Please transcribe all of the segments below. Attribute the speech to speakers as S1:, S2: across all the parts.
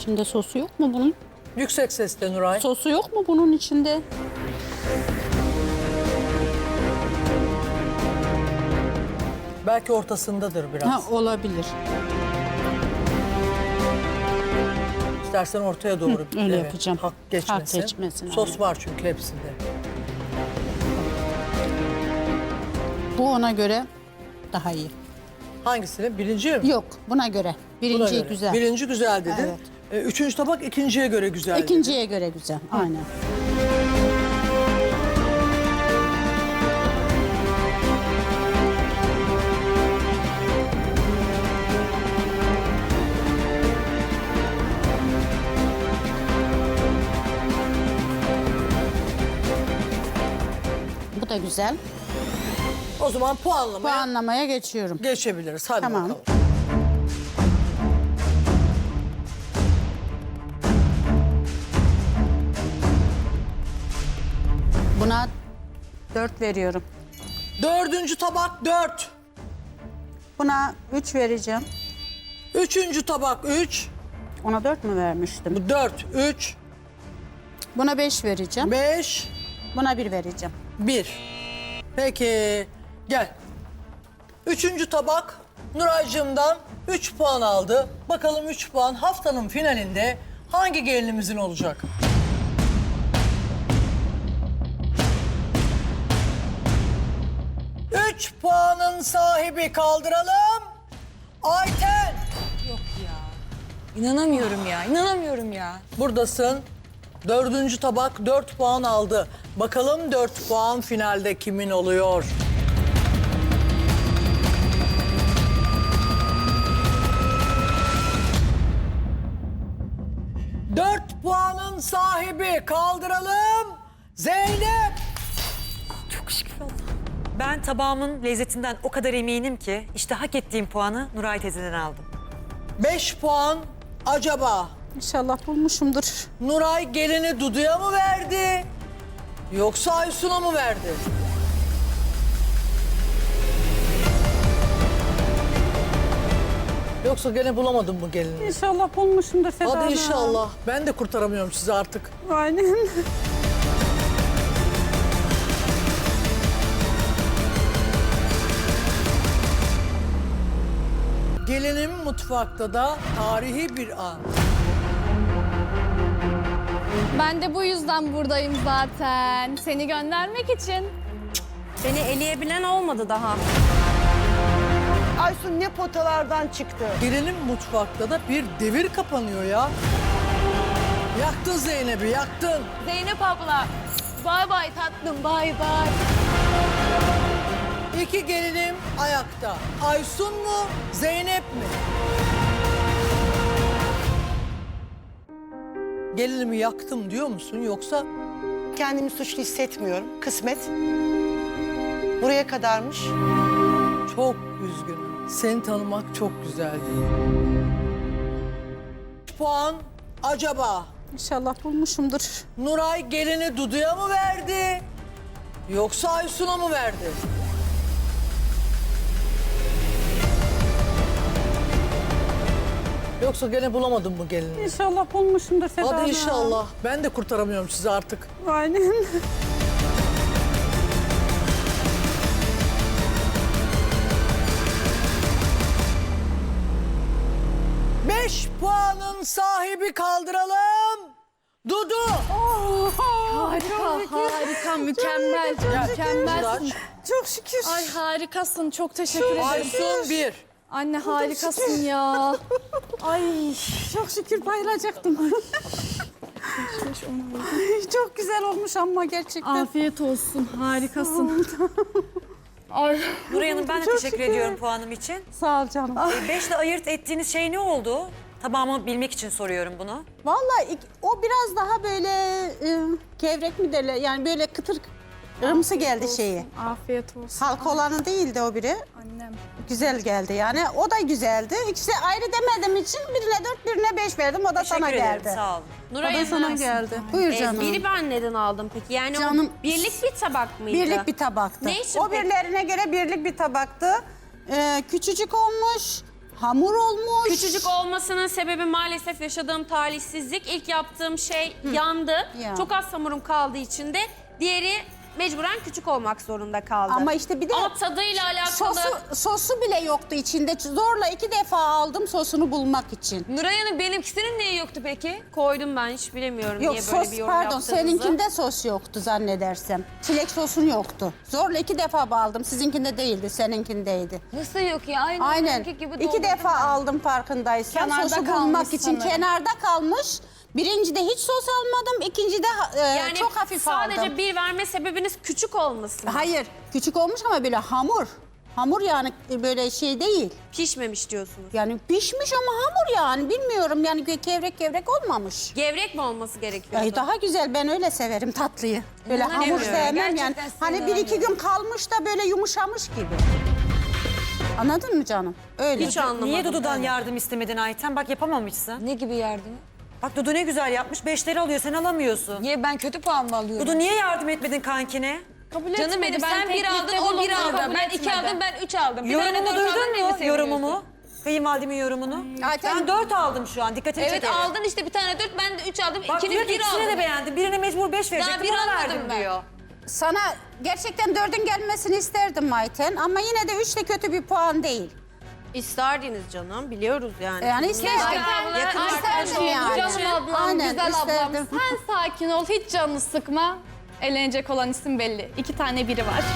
S1: içinde sosu yok mu bunun?
S2: Yüksek sesle Nuray.
S1: Sosu yok mu bunun içinde?
S2: Belki ortasındadır biraz.
S1: Ha, olabilir.
S2: İstersen ortaya doğru.
S1: Öyle yapacağım.
S2: Hak geçmesin.
S1: Hak geçmesin,
S2: Sos
S1: aynen.
S2: var çünkü hepsinde.
S1: Bu ona göre daha iyi.
S2: Hangisini? Birinci mi?
S1: Yok, buna göre.
S2: Buna
S1: Birinci
S2: göre.
S1: güzel.
S2: Birinci güzel dedin.
S1: Evet.
S2: Üçüncü tabak ikinciye göre güzel dedin.
S1: İkinciye göre güzel. Aynen. Bu da güzel.
S2: O zaman puanlamaya
S1: Puanlamaya geçiyorum.
S2: geçebiliriz. Hadi
S1: Tamam.
S2: bakalım.
S1: Buna 4 veriyorum.
S2: Dördüncü tabak 4.
S1: Buna 3 vereceğim.
S2: Üçüncü tabak 3.
S1: Ona 4 mü vermiştim?
S2: Bu 4, 3,
S1: Buna 5 vereceğim.
S2: 5,
S1: Buna 1 vereceğim.
S2: 1. Peki gel. Üçüncü tabak Nuraycığımdan 3 puan aldı. Bakalım 3 puan haftanın finalinde hangi gelinimizin olacak? Üç puanın sahibi kaldıralım. Ayten.
S3: İnanamıyorum ya, inanamıyorum ya.
S2: Buradasın. Dördüncü tabak 4 puan aldı. Bakalım 4 puan finalde kimin oluyor? Dört puanın sahibi kaldıralım. Zeynep.
S3: Çok şükür Allah. Ben tabağımın lezzetinden o kadar eminim ki işte hak ettiğim puanı Nuray teyzeden aldım.
S2: 5 puan acaba
S1: İnşallah bulmuşumdur.
S2: Nuray gelini Dudu'ya mı verdi? Yoksa Aysun'a mı verdi? Yoksa gene bulamadım bu gelini.
S1: İnşallah bulmuşumdur Seda
S2: Hadi
S1: Hanım.
S2: inşallah. Ben de kurtaramıyorum sizi artık.
S1: Aynen.
S2: Gelinim mutfakta da tarihi bir an.
S4: Ben de bu yüzden buradayım zaten. Seni göndermek için.
S5: Beni eleyebilen olmadı daha.
S6: Aysun ne potalardan çıktı.
S2: Gelinim mutfakta da bir devir kapanıyor ya. Yaktın Zeynep'i, yaktın.
S4: Zeynep abla. Bay bay tatlım, bay bay.
S2: İki gelinim ayakta. Aysun mu, Zeynep mi? Gelinimi yaktım diyor musun yoksa?
S6: Kendimi suçlu hissetmiyorum. Kısmet. Buraya kadarmış.
S2: Çok üzgünüm. Seni tanımak çok güzeldi. Puan acaba
S1: İnşallah bulmuşumdur.
S2: Nuray gelini Dudu'ya mı verdi? Yoksa Aysun'a mı verdi? Yoksa gene bulamadım bu gelini.
S1: İnşallah bulmuşumdur Seda
S2: Hadi
S1: Hanım.
S2: inşallah. Ben de kurtaramıyorum sizi artık.
S1: Aynen.
S2: Beş puanın sahibi kaldıralım. Dudu.
S4: Harika, mükemmel. Mükemmelsin.
S1: Çok şükür.
S4: Ay harikasın, çok teşekkür ederim.
S2: Aysun bir.
S4: Anne harikasın ya. Ay.
S1: Çok şükür bayılacaktım. Çok güzel olmuş ama gerçekten.
S4: Afiyet olsun, harikasın. Ay.
S3: Nuray Hanım ben de teşekkür ediyorum puanım için.
S1: Sağ ol canım.
S3: 5'le ayırt ettiğiniz şey ne oldu? Tabağımı bilmek için soruyorum bunu.
S1: Vallahi o biraz daha böyle gevrek mi derler? Yani böyle kıtır ırımsı geldi şeyi.
S4: Afiyet olsun.
S1: Halka olanı değildi o biri.
S4: Annem.
S1: Güzel geldi yani. O da güzeldi. İkisi ayrı demediğim için birine 4, birine 5 verdim. O da
S3: Teşekkür
S1: sana
S3: ederim
S1: geldi.
S3: sağ olun.
S1: O da sana geldi. Buyur canım.
S5: Biri ben neden aldım peki? Yani
S1: Canım,
S5: o birlik bir tabak mıydı?
S1: Birlik bir tabaktı.
S5: Ne için
S1: O
S5: peki?
S1: birilerine göre birlik bir tabaktı. Küçücük olmuş. Hamur olmuş.
S5: Küçücük olmasının sebebi maalesef yaşadığım talihsizlik. İlk yaptığım şey yandı.
S1: Ya.
S5: Çok az hamurum kaldığı için de diğeri mecburen küçük olmak zorunda kaldı.
S1: Ama işte bir de
S5: Ama tadıyla alakalı...
S1: sosu bile yoktu içinde. Zorla 2 defa aldım sosunu bulmak için.
S7: Nuray Hanım benimkisinin neyi yoktu peki?
S5: Koydum ben hiç bilemiyorum
S1: Yok
S5: niye böyle
S1: sos
S5: bir yorum
S1: pardon
S5: yaptığınızı.
S1: seninkinde sos yoktu zannedersem. Çilek sosun yoktu. Zorla 2 defa aldım. Sizinkinde değildi, seninkindeydi.
S7: Nasıl yok ya? Aynı
S1: Aynen.
S7: benimki gibi
S1: 2
S7: doldurdum
S1: defa
S7: ben.
S1: aldım farkındaysan.
S4: Kenarda
S1: Sosu
S4: kalmış
S1: bulmak için
S4: sanırım.
S1: kenarda kalmış. Birincide hiç sos almadım. İkincide
S5: Yani
S1: çok hafif
S5: sadece
S1: aldım.
S5: bir verme sebebiniz küçük olması mı?
S1: Hayır, küçük olmuş ama böyle hamur. Hamur yani böyle şey değil.
S5: Pişmemiş diyorsunuz.
S1: Yani pişmiş ama hamur yani bilmiyorum yani kevrek kevrek olmamış.
S5: Gevrek mi olması gerekiyordu?
S1: Ay daha güzel ben öyle severim tatlıyı. Böyle hamur
S7: İnanamıyorum.
S1: sevmem yani.
S7: Gerçekten
S1: Hani
S7: sevmiyorum
S1: 1-2 gün kalmış da böyle yumuşamış gibi. Anladın mı canım? Öyle.
S5: Hiç anlamadım.
S3: Niye Dudu'dan yardım istemedin Ayten? Bak yapamamışsın.
S7: Ne gibi yardım?
S3: Bak Dudu ne güzel yapmış. 5'leri alıyor sen alamıyorsun.
S7: Niye ben kötü puan mı alıyorum?
S3: Dudu niye yardım etmedin kankine?
S4: Kabul
S7: Canım
S4: etmedi.
S7: benim
S4: Ben
S7: sen bir aldın
S4: teklifte
S7: o bir
S4: bulundum,
S7: aldı.
S4: kabul
S7: Ben 2
S4: etmedi.
S7: aldım ben 3 aldım. Bir tane
S3: Yorumumu
S7: dört aldın,
S3: duydun
S7: neyi
S3: mu?
S7: seviyorsun?
S3: Yorumumu. Kayınvalidemin yorumunu.
S1: Ayten-
S3: Ben 4 aldım şu an. Dikkatini
S7: Evet
S3: çekerim.
S7: aldın işte bir tane 4 ben de 3 aldım.
S3: Bak
S7: İkiniz
S3: diyor ki
S7: bir
S3: ikisini de
S7: aldın.
S3: beğendim. Birine mecbur 5 verecektim.
S7: bir
S3: Ona
S7: almadım
S3: verdim
S7: ben.
S3: diyor.
S1: Sana gerçekten 4'ün gelmesini isterdim Mayten ama yine de 3 de kötü bir puan değil.
S5: İsterdiniz canım biliyoruz yani.
S1: Yani isterdim.
S7: Yakın
S1: İsterdim yani.
S4: Canım ablam,
S1: Aynen,
S4: güzel ablam.
S1: isterdim.
S4: Sen sakin ol, hiç canını sıkma. Elenecek olan isim belli. 2 tane biri var.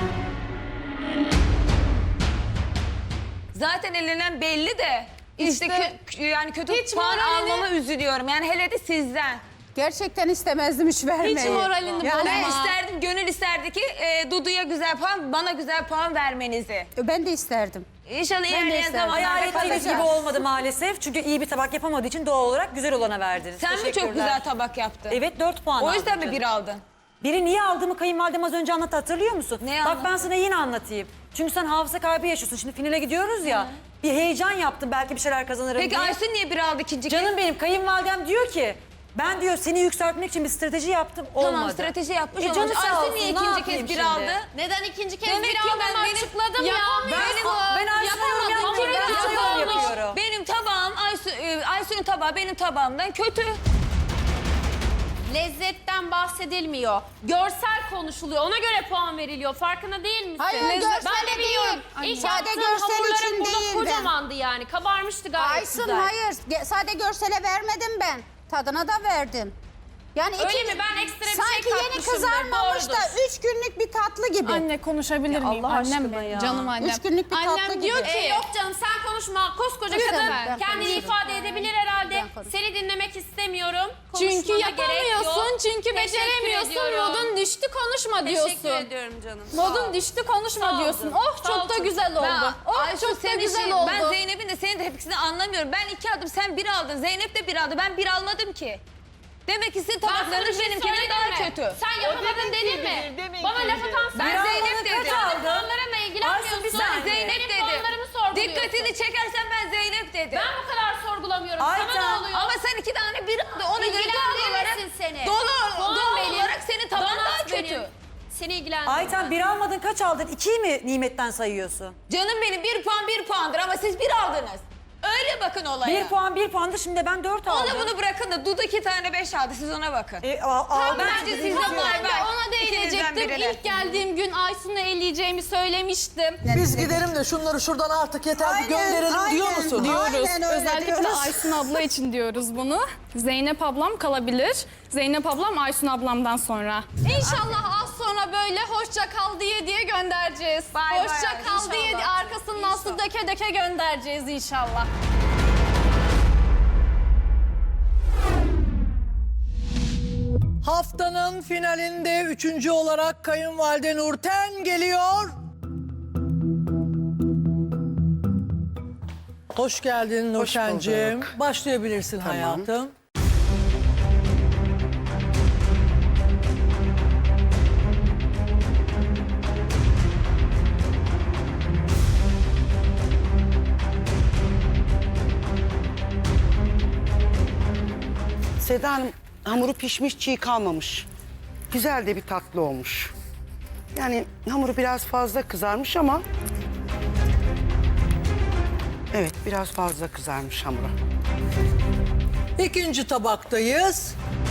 S7: Zaten elenen belli de. İşte yani kötü
S4: hiç
S7: puan
S4: moralini-
S7: almama üzülüyorum. Yani hele de sizden.
S1: Gerçekten istemezdim hiç vermeyi.
S4: Hiç moralini
S7: Yani
S4: bozma.
S7: ben isterdim, gönül isterdi ki Dudu'ya güzel puan, bana güzel puan vermenizi.
S1: Ben de isterdim.
S7: İnşallah
S1: de
S7: ilerleyen
S1: isterdim.
S7: zamanlarda
S3: Hayal ettiğiniz
S7: kalacak.
S3: gibi olmadı maalesef. Çünkü iyi bir tabak yapamadığı için doğal olarak güzel olana verdiniz.
S7: Sen mi çok
S3: Teşekkürler.
S7: güzel tabak yaptın?
S3: Evet 4 puan
S7: O
S3: aldım
S7: yüzden mi
S3: canım.
S7: bir aldın?
S3: Biri niye aldığımı kayınvalidem az önce anlattı hatırlıyor musun?
S7: Ne
S3: Bak
S7: anlattı?
S3: ben sana yine anlatayım. Çünkü sen hafıza kaybı yaşıyorsun. Şimdi finale gidiyoruz ya. Bir heyecan yaptım belki bir şeyler kazanırım
S7: Peki
S3: diye.
S7: Aysun niye bir aldı ikinci kez?
S3: Canım benim kayınvalidem diyor ki ben diyor seni yükseltmek için bir strateji yaptım olmadı.
S7: Tamam strateji yapmış
S3: Canı
S7: olmuş.
S3: sağ
S7: Aysun
S3: olsun,
S7: niye
S3: ne
S7: ikinci
S3: yapayım
S7: kez bir
S3: şimdi?
S7: aldı?
S5: Neden ikinci kez
S7: Demek
S5: bir
S7: ki
S5: aldığımı
S7: benim-
S5: açıkladım ya.
S3: Ben Aysun'u yorum yapmıyorum. Ben
S7: Benim
S3: sana yorum yapıyorum.
S7: tabağım, benim tabağım Aysun'un tabağı benim tabağımdan kötü.
S5: Lezzetten bahsedilmiyor. Görsel konuşuluyor. Ona göre puan veriliyor. Farkına değil misin?
S1: Hayır,
S5: Ben
S1: görsele
S5: de biliyorum.
S1: değil.
S5: İlk
S1: Sade
S5: yaptığım
S1: görsel
S5: hamurlarım
S1: için
S5: burada
S1: değil ben.
S5: kocamandı yani. Kabarmıştı gayet
S1: Aysun
S5: güzel.
S1: hayır. Sade görsele vermedim ben. Tadına da verdim. Yani
S5: Öyle mi? Ben ekstra bir şey
S1: sanki yeni
S5: katmışımdır,
S1: kızarmamış da
S5: doğrudur.
S1: 3 günlük bir tatlı gibi.
S4: Anne konuşabilir miyim?
S5: Allah
S4: Annem
S5: aşkına
S4: benim,
S5: ya.
S4: canım annem.
S1: 3 günlük bir tatlı
S4: Annem diyor
S1: gibi.
S4: ki...
S5: Yok canım sen konuşma. Koskoca
S4: Lütfen.
S5: kadın
S4: Ben
S5: kendini
S1: konuşurum.
S5: ifade edebilir herhalde.
S1: Ben konuşurum.
S5: Seni dinlemek istemiyorum.
S4: Çünkü
S5: Konuşmana gerek
S4: yapamıyorsun,
S5: yok.
S4: çünkü
S5: Teşekkür
S4: beceremiyorsun.
S5: ediyorum.
S4: Modun düştü konuşma diyorsun.
S5: Teşekkür ediyorum canım.
S4: Modun düştü konuşma
S5: Sağ ol
S4: diyorsun.
S5: canım.
S4: Oh
S5: Sağ ol
S4: çok da
S5: canım.
S4: güzel oldu. Oh
S7: Aysun,
S4: çok da
S7: senin
S4: güzel
S7: şey-
S4: oldu.
S7: Ben Zeynep'in de senin de hepsini anlamıyorum. Ben 2 aldım sen 1 aldın. Zeynep de 1 aldı. Ben 1 almadım ki. Demek ki sizin
S5: Ben sana bir
S7: tabaklarınız
S5: şey
S7: benimkinden
S5: söyledim
S7: daha
S5: mi?
S7: kötü.
S5: Sen yapamadın dedin mi? Bana laf atan
S7: Ben
S5: sen.
S7: Zeynep dedim.
S5: Puanlarımla
S3: Aysun,
S5: ilgilenmiyorsun.
S3: bir saniye.
S7: Zeynep
S5: Benim
S7: dedim.
S5: puanlarımı sorguluyorsun.
S7: Dikkatini çekersen ben Zeynep dedim.
S5: Ben bu kadar sorgulamıyorum. Sana
S3: Ayten,
S5: ne oluyor?
S7: Ama sen 2 tane 1 aldı. Ona göre doğal olarak,
S5: İlgilendirirsin seni.
S7: doğal
S5: benim.
S7: olarak senin taban
S5: Donat
S7: daha kötü.
S5: benim. Seni ilgilendirmez.
S3: Ayten 1 almadın kaç aldın? 2'yi mi nimetten sayıyorsun?
S7: Canım benim 1 puan 1 puandır ama siz 1 aldınız. Öyle bakın olaya.
S3: 1 puan 1 puandı şimdi ben 4 aldım.
S7: Onu bunu bırakın da Dudu 2 tane 5 aldı. Siz ona bakın. Bence siz de
S4: Ben de ona
S7: İkinizden
S4: değinecektim.
S7: birine.
S4: İlk geldiğim gün Aysun'u eleyeceğimi söylemiştim.
S2: Biz gidelim de şunları şuradan artık yeter bir gönderelim diyor musun?
S4: Diyoruz.
S1: Aynen öyle
S4: Özellikle
S1: diyoruz.
S4: Aysun abla için diyoruz bunu. Zeynep ablam kalabilir. Zeynep ablam Aysun ablamdan sonra. İnşallah az sonra böyle hoşça kal diye göndereceğiz.
S7: Bay bay,
S4: Hoşça kal diye
S7: inşallah.
S4: arkasından su döke döke göndereceğiz inşallah.
S2: Haftanın finalinde 3. olarak kayınvalide Nurten geliyor. Hoş geldin Nurten'cim.
S6: bulduk.
S2: Başlayabilirsin
S6: Tamam.
S2: hayatım.
S6: Seda Hanım hamuru pişmiş, çiğ kalmamış. Güzel de bir tatlı olmuş. Yani hamuru biraz fazla kızarmış ama... Evet, biraz fazla kızarmış hamuru.
S2: İkinci tabaktayız.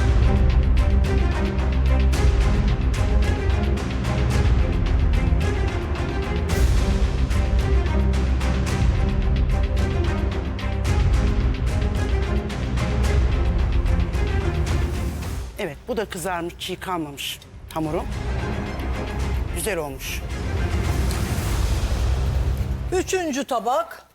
S6: Evet, bu da kızarmış, çiğ kalmamış hamuru. Güzel olmuş.
S2: Üçüncü tabak.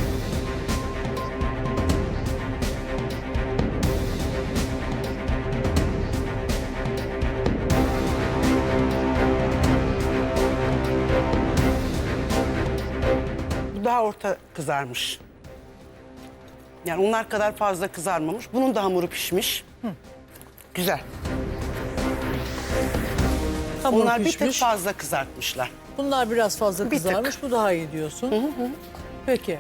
S6: Bu daha orta kızarmış. Yani onlar kadar fazla kızarmamış. Bunun da hamuru pişmiş. Güzel.
S2: Hamuru
S6: Onlar bir tık
S2: pişmiş.
S6: fazla kızartmışlar.
S2: Bunlar biraz fazla
S6: Bir tık.
S2: kızarmış. Bu daha iyi diyorsun. Peki.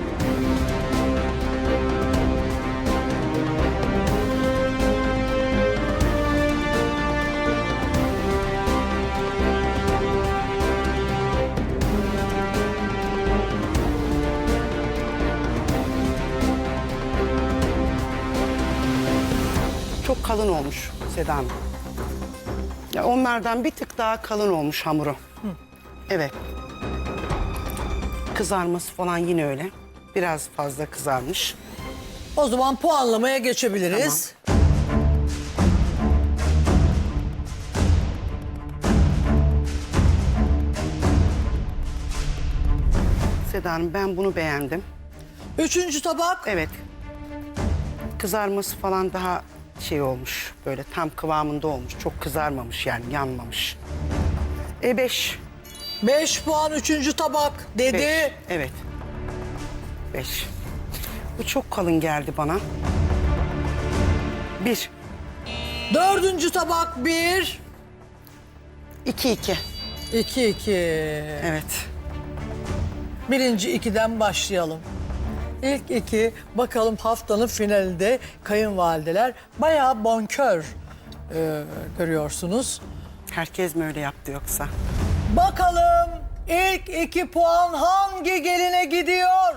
S6: Çok kalın olmuş Seda Hanım. Ya onlardan bir tık daha kalın olmuş hamuru. Evet. Kızarması falan yine öyle. Biraz fazla kızarmış.
S2: O zaman puanlamaya geçebiliriz.
S6: Seda Hanım, ben bunu beğendim.
S2: Üçüncü tabak.
S6: Evet. Kızarması falan daha şey olmuş. Böyle tam kıvamında olmuş. Çok kızarmamış yani, yanmamış. 5.
S2: 5 puan üçüncü tabak dedi.
S6: Evet. 5. Bu çok kalın geldi bana. 1.
S2: Dördüncü tabak 1.
S6: 2.
S2: 2.
S6: Evet.
S2: Birinci 2'den başlayalım. İlk 2, bakalım haftanın finalinde kayınvalideler bayağı bonkör görüyorsunuz.
S6: Herkes mi öyle yaptı yoksa?
S2: Bakalım ilk 2 puan hangi geline gidiyor?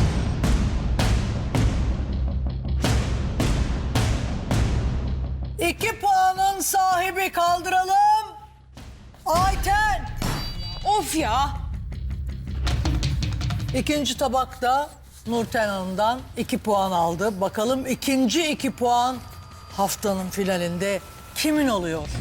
S2: İki puanın sahibi kaldıralım. Ayten.
S7: Of ya.
S2: İkinci tabakta Nurten Hanım'dan 2 puan aldı. Bakalım ikinci 2 puan haftanın finalinde kimin oluyor?